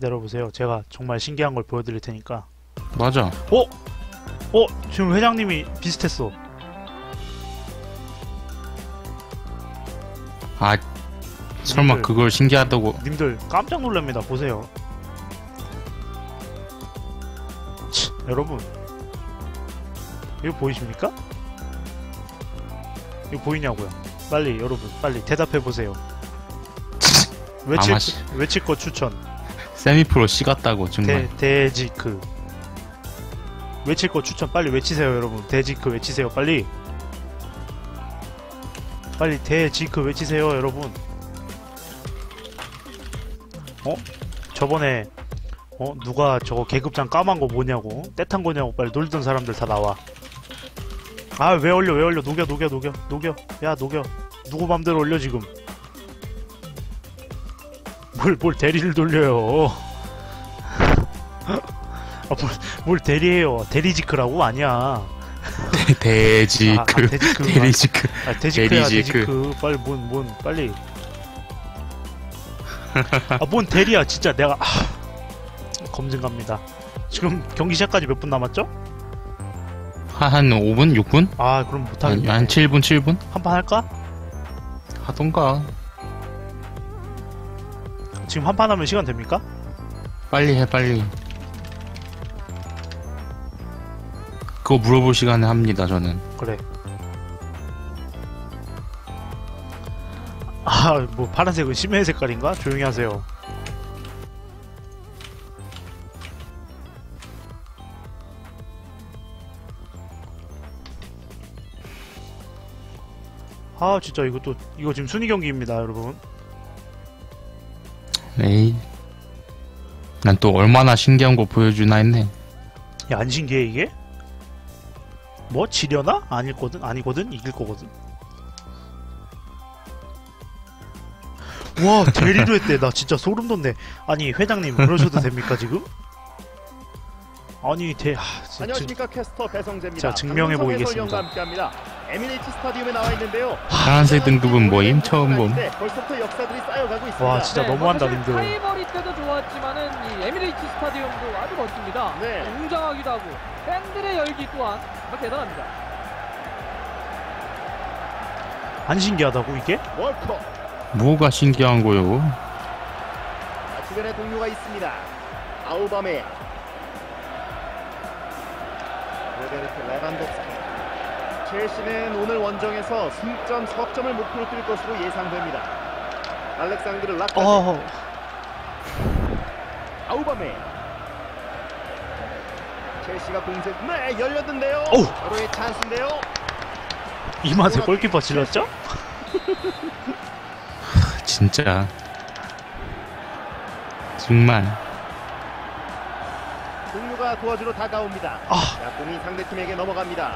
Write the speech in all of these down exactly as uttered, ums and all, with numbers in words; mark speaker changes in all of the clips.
Speaker 1: 기다려보세요. 제가 정말 신기한 걸 보여드릴 테니까.
Speaker 2: 맞아.
Speaker 1: 어? 어? 지금 회장님이 비슷했어.
Speaker 2: 아, 설마
Speaker 1: 님들,
Speaker 2: 그걸 신기하다고.
Speaker 1: 님들 깜짝 놀랍니다. 보세요. 치, 여러분 이거 보이십니까? 이거 보이냐고요? 빨리 여러분 빨리 대답해보세요. 외칠,
Speaker 2: 아마씨.
Speaker 1: 외칠 거 추천.
Speaker 2: 세미프로 씨 같다고 정말.
Speaker 1: 대, 데지크. 외칠 거 추천 빨리 외치세요 여러분. 데지크 외치세요 빨리. 빨리 데지크 외치세요 여러분. 어? 저번에 어? 누가 저거 계급장 까만 거 뭐냐고 떼탄 거냐고 빨리 놀던 사람들 다 나와. 아 왜 올려 왜 올려 녹여 녹여 녹여 녹여 야 녹여. 누구 맘대로 올려 지금. 뭘, 뭘 대리를 돌려요. 아, 뭘, 뭘 대리해요. 대리지크라고? 아니야.
Speaker 2: 데지크.
Speaker 1: 아, 아, 데지크.
Speaker 2: 데리지크.
Speaker 1: 아, 데지크야,
Speaker 2: 데리지크.
Speaker 1: 데지크. 빨리, 뭔, 뭔, 빨리. 아, 뭔 대리야, 진짜 내가, 아, 검증 갑니다. 지금 경기 시작까지 몇 분 남았죠?
Speaker 2: 한 오 분? 육 분?
Speaker 1: 아, 그럼 못하겠네.
Speaker 2: 한 칠 분, 칠 분?
Speaker 1: 한판 할까?
Speaker 2: 하던가.
Speaker 1: 지금 한판 하면 시간 됩니까?
Speaker 2: 빨리 해, 빨리. 그거 물어볼 시간에 합니다, 저는.
Speaker 1: 그래. 아, 뭐, 파란색은 심해 색깔인가? 조용히 하세요. 아, 진짜 이것도, 이거 지금 순위 경기입니다, 여러분.
Speaker 2: 에이. 난 또 얼마나 신기한 거 보여주나 했네.
Speaker 1: 야, 안 신기해, 이게? 뭐, 지려나? 아닐거든? 아니거든? 이길 거거든? 와, 대리도 했대. 나 진짜 소름 돋네. 아니, 회장님, 그러셔도 됩니까, 지금? 아니, 대, 하, 진짜.
Speaker 3: 안녕하십니까 캐스터 배성재입니다.
Speaker 1: 자, 증명해 보이겠습니다.
Speaker 3: 함께합니다. 에미레이트 스타디움에 나와 있는데요.
Speaker 2: 파란색 등급은 뭐임? 처음 봄.
Speaker 3: 벌써부터 역사들이 쌓여가고 있습니다.
Speaker 1: 와, 진짜 너무한다,
Speaker 4: 뭐
Speaker 1: 님들.
Speaker 4: 타이버리 때도 좋았지만은 이 에미레이트 스타디움도 아주 멋집니다.
Speaker 3: 네.
Speaker 4: 웅장하기도 하고 팬들의 열기 또한 정말 대단합니다.
Speaker 1: 안 신기하다고, 이게?
Speaker 3: 월커.
Speaker 2: 뭐가 신기한 거요?
Speaker 3: 자, 주변에 동료가 있습니다. 아우바메. 로베르트 레반도프스키. 첼시는 오늘 원정에서 승점 석점을 목표로 뛸 것으로 예상됩니다. 알렉산드르 라카제.
Speaker 1: 어,
Speaker 3: 아우바메. 첼시가 공세. 네, 열렸는데요.
Speaker 1: 어우.
Speaker 3: 서로의 찬스인데요.
Speaker 1: 이 맛에 골키퍼 질렀죠?
Speaker 2: 진짜. 정말.
Speaker 3: 동료가 도와주러 다가옵니다.
Speaker 1: 아.
Speaker 3: 자, 공이 상대팀에게 넘어갑니다.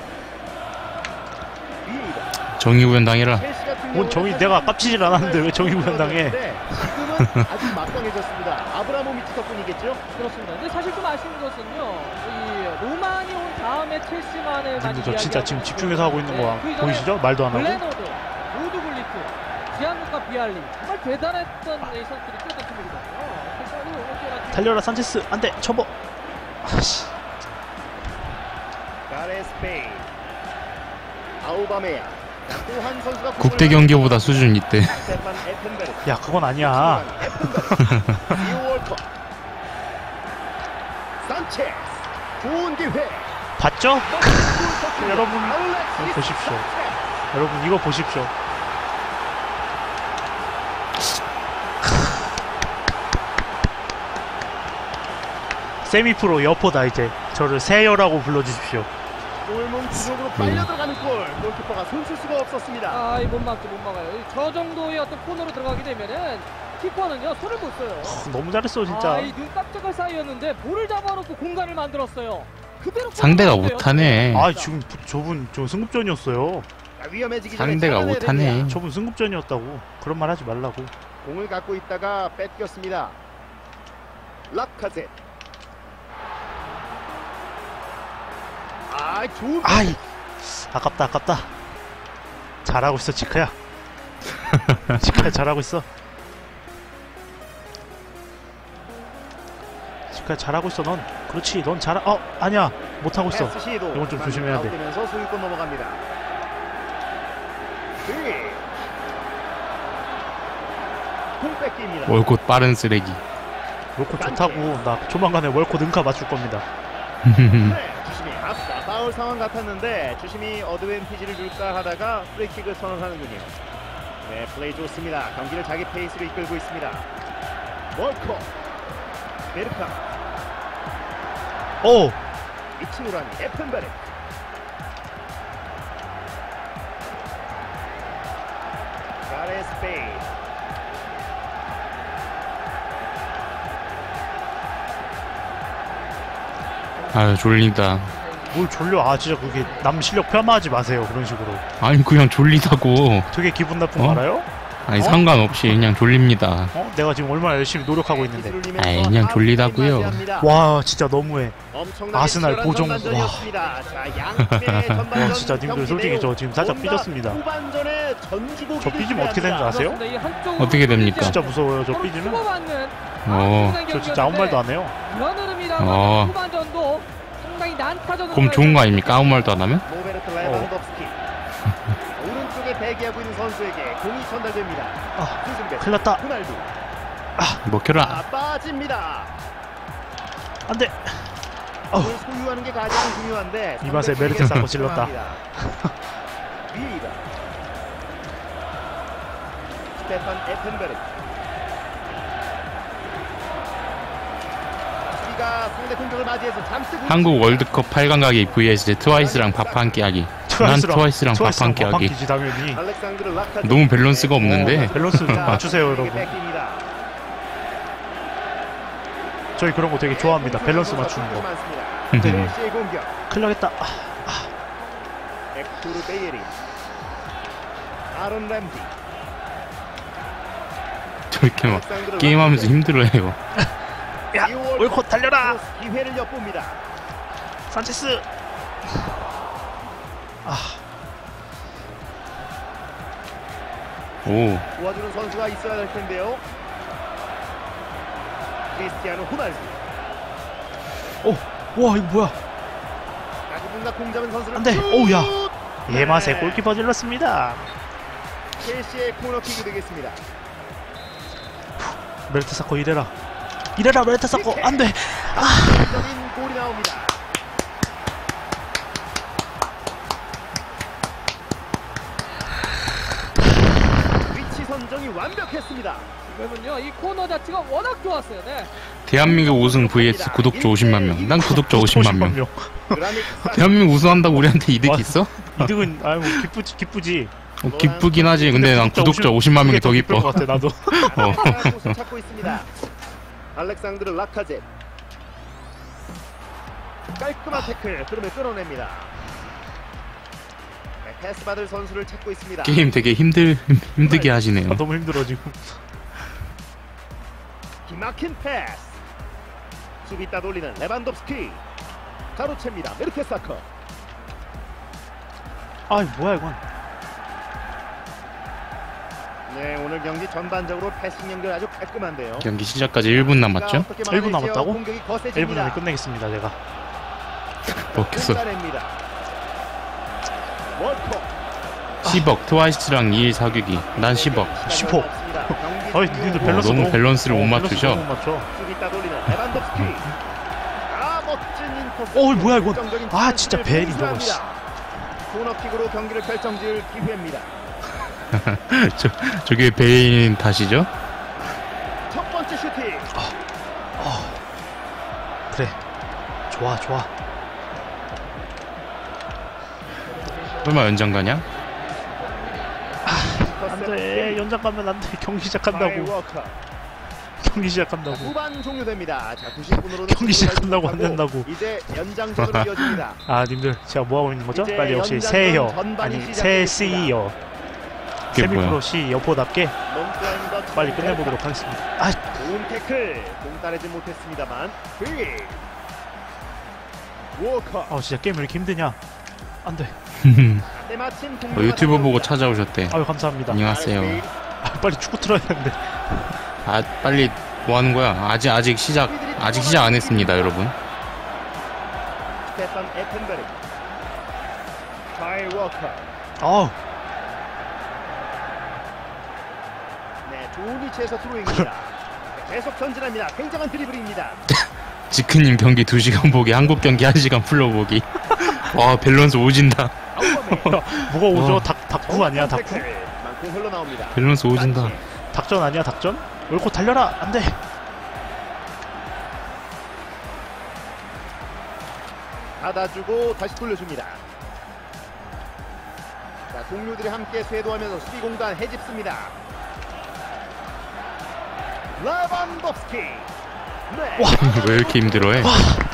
Speaker 3: 위입니다.
Speaker 2: 정의구현당해라.
Speaker 3: 첼시 같은
Speaker 1: 뭔
Speaker 3: 경우는
Speaker 1: 정의,
Speaker 3: 사실
Speaker 1: 내가 깝치질 않았는데 왜 정의 구현당해?
Speaker 3: 지금은 아주 막강해졌습니다. 아브라모비치 덕분이겠죠?
Speaker 4: 그렇습니다. 근데 사실 좀 아쉬운 것은요, 이 로만이 온 다음에 첼시만을 많이
Speaker 1: 님들 저 진짜
Speaker 4: 이야기하고
Speaker 1: 지금
Speaker 4: 있고,
Speaker 1: 집중해서 하고 있는 거
Speaker 4: 네, 그 이전에
Speaker 1: 보이시죠? 말도 안 하고.
Speaker 4: 블레너드, 로드글리프, 지안루카 비알리 정말 대단했던 이 선수들이 뛰었던 팀이거든요. 그래서 아주 뛰어난
Speaker 1: 달려라 산체스. 안돼 쳐버. 아씨.
Speaker 3: 가레스 베일. 아우바메야. 또한 선수가
Speaker 2: 국대 경기보다 수준 있대.
Speaker 3: 스테판 에펜베르.
Speaker 1: 야, 그건 아니야.
Speaker 3: 이월커. 산체스. 좋은 기회.
Speaker 1: 봤죠? 여러분,
Speaker 3: 알렉시스
Speaker 1: 보십시오.
Speaker 3: 산체스.
Speaker 1: 여러분 이거 보십시오. 세미프로 여포다. 이제 저를 세여라고 불러주십시오.
Speaker 3: 골문 구석으로 빨려 들어가는 골. 골키퍼가 손쓸 수가 없었습니다.
Speaker 4: 아, 이 못 막죠, 못 막아요. 이 저 정도의 어떤 코너로 들어가게 되면은 키퍼는요 손을 못 써요.
Speaker 1: 너무 잘했어 진짜.
Speaker 4: 아, 이 눈 깜짝할 사이였는데 볼을 잡아놓고 공간을 만들었어요. 그대로
Speaker 2: 상대가
Speaker 4: 골을
Speaker 2: 못하네.
Speaker 1: 아, 지금 저분 저 승급전이었어요.
Speaker 3: 자, 위험해지기 전에
Speaker 2: 상대가
Speaker 3: 잡아내야
Speaker 2: 못하네.
Speaker 3: 됩니다.
Speaker 1: 저분 승급전이었다고. 그런 말 하지 말라고.
Speaker 3: 공을 갖고 있다가 뺏겼습니다. 라카제. 아, 좋은.
Speaker 1: 아이, 아깝다 아깝다. 잘하고 있어 지크야. 지크야 잘하고 있어. 그래, 잘하고 있어, 넌. 그렇지, 넌 잘, 어, 아니야. 못하고 있어.
Speaker 3: 패스 시도.
Speaker 1: 이건 좀 조심해야 돼.
Speaker 3: 아웃되면서 소유권 넘어갑니다. 네. 공 뺏깁니다.
Speaker 2: 월콧 빠른 쓰레기.
Speaker 1: 월코 좋다고. 나 조만간에 월코 능가 맞출 겁니다.
Speaker 3: 네, 주심이 앞서 파울 상황 같았는데 주심이 어드밴티지를 줄까 하다가 프리킥을 선언하는군요. 네, 플레이 좋습니다. 경기를 자기 페이스로 이끌고 있습니다. 월코, 베르카,
Speaker 1: 오!
Speaker 3: 이치노라니, 에펜베르. 가레스 베일.
Speaker 2: 아유, 졸린다.
Speaker 1: 뭘 졸려. 아, 진짜 그게 남 실력 폄하하지 마세요. 그런 식으로.
Speaker 2: 아니, 그냥 졸리다고.
Speaker 1: 되게 기분 나쁜 거
Speaker 2: 어?
Speaker 1: 알아요?
Speaker 2: 아니,
Speaker 1: 어?
Speaker 2: 상관없이 그냥 졸립니다.
Speaker 1: 어? 내가 지금 얼마나 열심히 노력하고 있는데.
Speaker 2: 아이, 그냥 졸리다고요.
Speaker 1: 와, 진짜 너무해. 아스날 보정. 와.
Speaker 3: 와,
Speaker 1: 와, 진짜 님들 솔직히 저 지금 살짝 삐졌습니다. 저 삐지면 어떻게 되는 줄 아세요?
Speaker 4: 그렇습니다. 이 한쪽으로
Speaker 2: 어떻게 됩니까?
Speaker 1: 진짜 무서워요. 저
Speaker 4: 서로
Speaker 1: 삐지면.
Speaker 4: 주고받는
Speaker 2: 어.
Speaker 4: 아주
Speaker 1: 저 진짜 아무 말도 안 해요.
Speaker 4: 이런 흐름이라고
Speaker 2: 어.
Speaker 4: 후반전도 상당히 난타전으로
Speaker 2: 그럼 좋은 거 아닙니까? 아무 말도 안 하면?
Speaker 3: 로베르트 레반덥스키. 오른쪽에 대기하고 있는 선수에게 공이 전달됩니다.
Speaker 1: 아,
Speaker 3: 수승배,
Speaker 1: 큰일 났다.
Speaker 3: 호날두.
Speaker 2: 먹혀라.
Speaker 3: 아, 빠집니다.
Speaker 1: 안 돼.
Speaker 3: 공을 소유하는 게 가장 중요한데
Speaker 1: 이 맛에
Speaker 3: 상대
Speaker 1: 메르트 쌓고
Speaker 3: 수비에게
Speaker 1: 찔렀다.
Speaker 3: 성공합니다. 비에이라. 스테판 에펜베르. 수비가 상대 공격을 맞이해서 잠시
Speaker 2: 한국 월드컵 팔 강 가기 vs 트와이스랑 밥 한 끼 하기. 난 트와이스랑 밥 한 끼 하기.
Speaker 1: 지 당연히.
Speaker 3: 알렉산드르 라카제트.
Speaker 2: 너무 밸런스가 없는데.
Speaker 1: 어, 밸런스 좀
Speaker 3: 자,
Speaker 1: 맞추세요, 여러분.
Speaker 3: 뺏깁니다.
Speaker 1: 저희 그런 거 되게 좋아합니다. 밸런스 맞추는 거.
Speaker 3: 첼시의 공격.
Speaker 1: 큰일 나겠다.
Speaker 3: 엑투르 베이리. 아론 램지.
Speaker 2: 저렇게 막
Speaker 3: 알렉산드르
Speaker 2: 게임하면서
Speaker 3: 라카제트.
Speaker 2: 힘들어해요.
Speaker 1: 야,
Speaker 3: 이월
Speaker 1: 월컷 달려라.
Speaker 3: 크로스 기회를 엿봅니다.
Speaker 1: 산체스. 아,
Speaker 2: 오,
Speaker 3: 도와주는 선수가 있어야 될 텐데요. 크리스티아노 호날두.
Speaker 1: 오, 와 이거 뭐야?
Speaker 3: 누군가 공 잡은 선수를
Speaker 1: 안 돼.
Speaker 3: 슛!
Speaker 1: 오우, 야.
Speaker 3: 네.
Speaker 1: 예맛에 골키퍼 질렀습니다.
Speaker 3: 첼시의 코너킥이 되겠습니다.
Speaker 1: 메르트 사코 이래라. 이래라 메르트 사코. 안 돼.
Speaker 3: 적인 골이 나옵니다. 위치 선정이 완벽했습니다.
Speaker 4: 지금은요 이 코너 자체가 워낙 좋았어요. 네.
Speaker 2: 대한민국 우승 vs 구독자 오십만 명. 난 구독자 오십만 명.
Speaker 3: 그라닉
Speaker 2: 대한민국 우승한다고 우리한테 이득 있어?
Speaker 1: 이득은 아유 뭐 기쁘지 기쁘지.
Speaker 2: 어, 기쁘긴 하지. 근데 난 구독자 오십만 명이 더 기뻐.
Speaker 1: 것 같아 나도.
Speaker 2: 어.
Speaker 3: 곳을 찾고 있습니다. 알렉산드르 라카제. 깔끔한 태클, 흐름을 끊어냅니다. 네, 패스 받을 선수를 찾고 있습니다.
Speaker 2: 게임 되게 힘들 힘들게 하시네요.
Speaker 1: 아, 너무 힘들어 지금.
Speaker 3: 기막힌 패스. 수비 따돌리는 레반덥스키. 가로챕니다. 메르테사커.
Speaker 1: 아 뭐야 이건.
Speaker 3: 네, 오늘 경기 전반적으로 패싱 연결 아주 깔끔한데요.
Speaker 2: 경기 시작까지 일 분 남았죠?
Speaker 3: 일
Speaker 1: 분 남았다고?
Speaker 3: 공격이
Speaker 1: 일 분
Speaker 3: 거세집니다.
Speaker 1: 안에 끝내겠습니다 제가.
Speaker 2: 먹혔어.
Speaker 3: 공간입니다. 월커.
Speaker 2: 십억 트와이스랑 이 일 사귀기. 난 십억.
Speaker 1: 십억. 어이 니들 밸런스
Speaker 2: 너무
Speaker 1: 너무
Speaker 2: 밸런스를 못
Speaker 1: 어,
Speaker 2: 맞추셔.
Speaker 1: 밸런스 너무 못 맞춰.
Speaker 3: 수비 따돌리는 레반덥스키. 아, 멋진 인터셉트.
Speaker 1: 어이, 뭐야, 이건.
Speaker 3: 결정적인
Speaker 1: 아, 진짜
Speaker 3: 찬스를
Speaker 1: 베일이 저거,
Speaker 3: 공수합니다. 코너킥으로 경기를 결정지을 기회입니다.
Speaker 2: 저 저게 베인 탓이죠?
Speaker 3: 첫 번째 슈팅.
Speaker 1: 그래. 좋아 좋아.
Speaker 2: 얼마 연장 가냐?
Speaker 1: 안돼 연장 가면 안돼. 경기 시작한다고.
Speaker 3: 워커.
Speaker 1: 경기 시작한다고.
Speaker 3: 후반 종료됩니다. 자, 구십 분으로는
Speaker 1: 경기 시작한다고 안 된다고.
Speaker 3: 이제 연장전으로 이어집니다.
Speaker 1: 아 님들 제가 뭐 하고 있는 거죠?
Speaker 3: 이제
Speaker 1: 빨리 역시
Speaker 3: 연장전
Speaker 1: 새해여
Speaker 3: 전반이
Speaker 1: 아니 새
Speaker 3: 시작되겠습니다.
Speaker 1: 씨이어
Speaker 2: 그게 뭐야?
Speaker 1: 세미프로 씨 여포답게
Speaker 3: 롱플라인더
Speaker 1: 빨리 끝내보도록 하겠습니다. 아
Speaker 3: 좋은 태클. 공 따내지 못했습니다만. 빅. 워커.
Speaker 1: 아, 진짜 게임 왜 이렇게 힘드냐? 안돼.
Speaker 3: 때마침
Speaker 2: 어, 유튜브 보고 찾아오셨대.
Speaker 1: 아유 감사합니다.
Speaker 2: 안녕하세요.
Speaker 1: 아, 빨리 축구 틀어야 되는데.
Speaker 2: 아 빨리 뭐 하는 거야? 아직 아직 시작 아직 시작 안 했습니다, 여러분.
Speaker 3: 스테판 에펜베르, 카일 워커.
Speaker 1: 어우,
Speaker 3: 네, 좋은 위치에서 드로잉입니다. 계속 전진합니다. 굉장한 드리블입니다.
Speaker 2: 지크님 경기 두 시간 보기, 한국 경기 한 시간 풀러보기. 와, 밸런스 오진다.
Speaker 3: 아우바메.
Speaker 1: 뭐가 오죠?
Speaker 2: 어.
Speaker 1: 닭, 닭구 아니야, 닭구?
Speaker 3: 만큼 흘러나옵니다.
Speaker 2: 밸런스 오진다.
Speaker 1: 닭전 아니야, 닭전? 옳고 달려라! 안 돼!
Speaker 3: 받아주고 다시 돌려줍니다. 자, 동료들이 함께 쇄도하면서 수비 공간 해집습니다. 라반도프스키. 네.
Speaker 2: 왜 이렇게 힘들어해?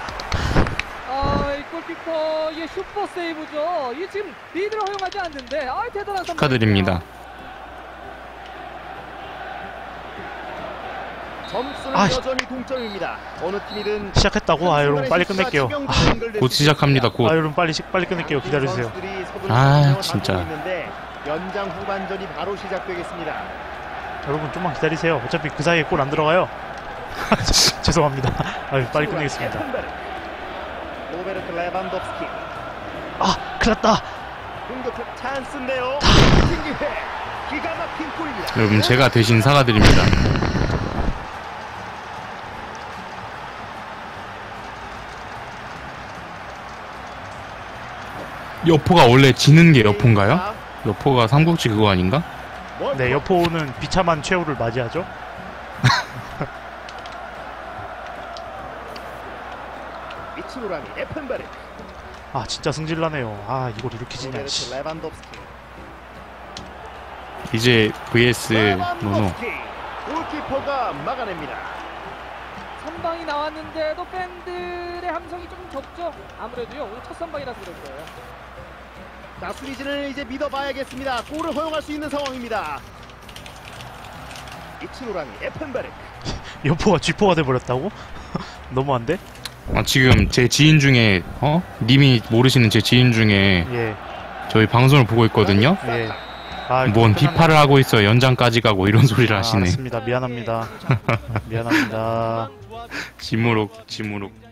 Speaker 4: 아, 이 골키퍼의 슈퍼 세이브죠. 이 지금 리드를 허용하지 않는데, 아, 대단한 선방이네요.
Speaker 2: 축하드립니다.
Speaker 3: 점수는
Speaker 1: 아,
Speaker 3: 여전히 동점입니다. 어느 팀이든
Speaker 1: 시작했다고? 아, 여러분, 빨리 끝낼게요. 아,
Speaker 2: 곧 시작합니다,
Speaker 1: 아,
Speaker 2: 곧.
Speaker 1: 여러분, 빨리, 시- 빨리 끝낼게요. 기다려주세요.
Speaker 2: 아, 진짜.
Speaker 3: 있는데 연장 후반전이 바로 시작되겠습니다.
Speaker 1: 여러분, 좀만 기다리세요. 어차피 그 사이에 골 안 들어가요. 죄송합니다. 아유, 빨리 끝내겠습니다.
Speaker 3: 로베르트 레반도프스키.
Speaker 1: 아, 큰일 났다!
Speaker 3: 공격적 찬스인데요. 신기해. 기가 막힌 골입니다.
Speaker 2: 여러분, 제가 대신 사과드립니다. 여포가 원래 지는 게 여포인가요? 여포가 삼국지 그거 아닌가?
Speaker 1: 네, 여포는 비참한 최후를 맞이하죠.
Speaker 3: 미츠노라미 에펜베르.
Speaker 1: 아, 진짜 승질나네요. 아, 이걸 이렇게 지냐,
Speaker 3: 로베르트
Speaker 1: 씨.
Speaker 3: 레반도프스키.
Speaker 2: 이제 브이에스 노노.
Speaker 3: 레반도프스키. 골키퍼가 막아냅니다.
Speaker 4: 선방이 나왔는데도 팬들의 함성이 좀 적죠. 아무래도요, 오늘 첫 선방이라서 그럴 거예요.
Speaker 3: 자, 수비진을 이제 믿어봐야겠습니다. 골을 허용할 수 있는 상황입니다. 미츠노라미 에펜베르.
Speaker 1: 여포가 쥐포가 돼버렸다고? 너무한데?
Speaker 2: 아, 지금 제 지인 중에 어? 님이 모르시는 제 지인 중에
Speaker 1: 예,
Speaker 2: 저희 방송을 보고 있거든요.
Speaker 1: 예. 아,
Speaker 2: 뭔
Speaker 1: 끝났네.
Speaker 2: 비파를 하고 있어, 연장까지 가고 이런 소리를
Speaker 1: 아,
Speaker 2: 하시네.
Speaker 1: 알았습니다. 미안합니다. 미안합니다.
Speaker 2: 지무룩 지무룩.